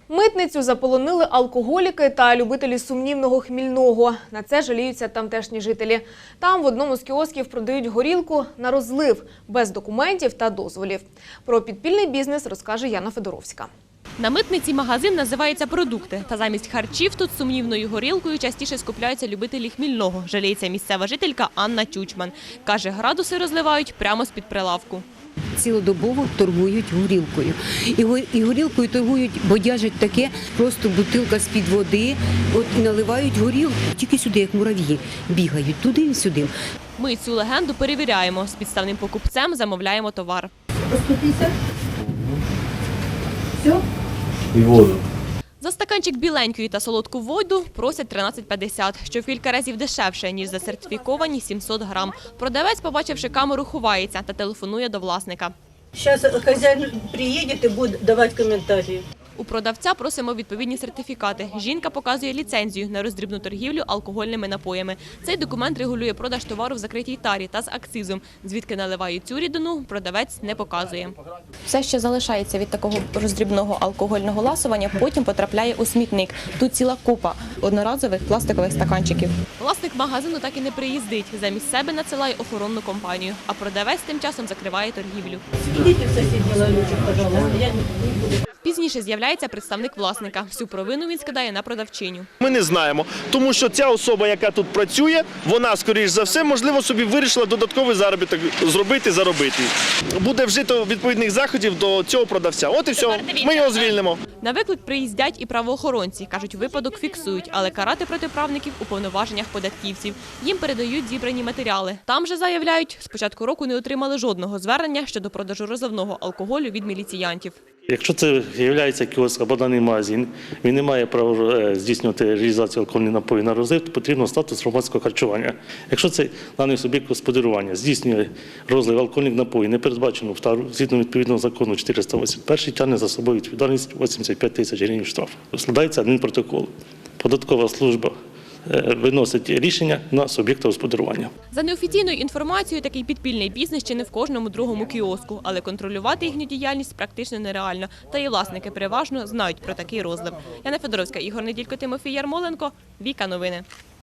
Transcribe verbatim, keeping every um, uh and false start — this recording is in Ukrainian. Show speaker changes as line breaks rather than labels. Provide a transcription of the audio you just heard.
Митницю заполонили алкоголіки та любителі сумнівного хмільного. На це жаліються тамтешні жителі. Там в одному з кіосків продають горілку на розлив, без документів та дозволів. Про підпільний бізнес розкаже Яна Федоровська.
На митниці магазин називається «Продукти». Та замість харчів тут сумнівною горілкою частіше скупляються любителі хмільного, жаліється місцева жителька Анна Чучман. Каже, градуси розливають прямо з-під прилавку.
Цілодобово торгують горілкою. І го- І горілкою торгують, бодяжать таке, просто бутилка з-під води, от і наливають горілку. Тільки сюди, як мурав'ї, бігають туди і сюди.
Ми цю легенду перевіряємо. З підставним покупцем замовляємо товар.
сто пятьдесят. Все?
І воду.
За стаканчик біленької та солодку воду просять тринадцять п'ятдесят, що в кілька разів дешевше, ніж за сертифіковані сімсот грам. Продавець, побачивши камеру, ховається та телефонує до власника.
Сейчас хозяин приедет и будет давать комментарии.
У продавця просимо відповідні сертифікати. Жінка показує ліцензію на роздрібну торгівлю алкогольними напоями. Цей документ регулює продаж товару в закритій тарі та з акцизом. Звідки наливають цю рідину, продавець не показує. Все, що залишається від такого роздрібного алкогольного ласування, потім потрапляє у смітник. Тут ціла купа одноразових пластикових стаканчиків. Власник магазину так і не приїздить. Замість себе надсилає охоронну компанію, а продавець тим часом закриває торгівлю.
Идите в соседний ларечек, пожалуйста. Я не буду.
Пізніше з'являється представник власника. Всю провину він скидає на продавчиню.
Ми не знаємо, тому що ця особа, яка тут працює, вона, скоріш за все, можливо, собі вирішила додатковий заробіток зробити, заробити. Буде вжито відповідних заходів до цього продавця. От і все, ми його звільнимо.
На виклик приїздять і правоохоронці. Кажуть, випадок фіксують, але карати протиправників у повноваженнях податківців. Їм передають зібрані матеріали. Там же заявляють, з початку року не отримали жодного звернення щодо продажу розливного алкоголю від міліціянтів.
Якщо це є кіоск або даний магазин, він не має права здійснювати реалізацію алкогольних напоїв на розлив, то потрібно статус громадського харчування. Якщо це даний суб'єкт господарювання здійснює розлив алкогольних напоїв, не передбачено згідно відповідного закону чотириста вісімдесят один, тягне за собою відповідальність вісімдесят п'ять тисяч гривень штрафу. Складається адмінпротокол. Податкова служба виносить рішення на суб'єкта господарювання.
За неофіційною інформацією, такий підпільний бізнес ще не в кожному другому кіоску, але контролювати їхню діяльність практично нереально. Та і власники переважно знають про такий розлив. Яна Федоровська, Ігор Неділько, Тимофій Ярмоленко, Віка Новини.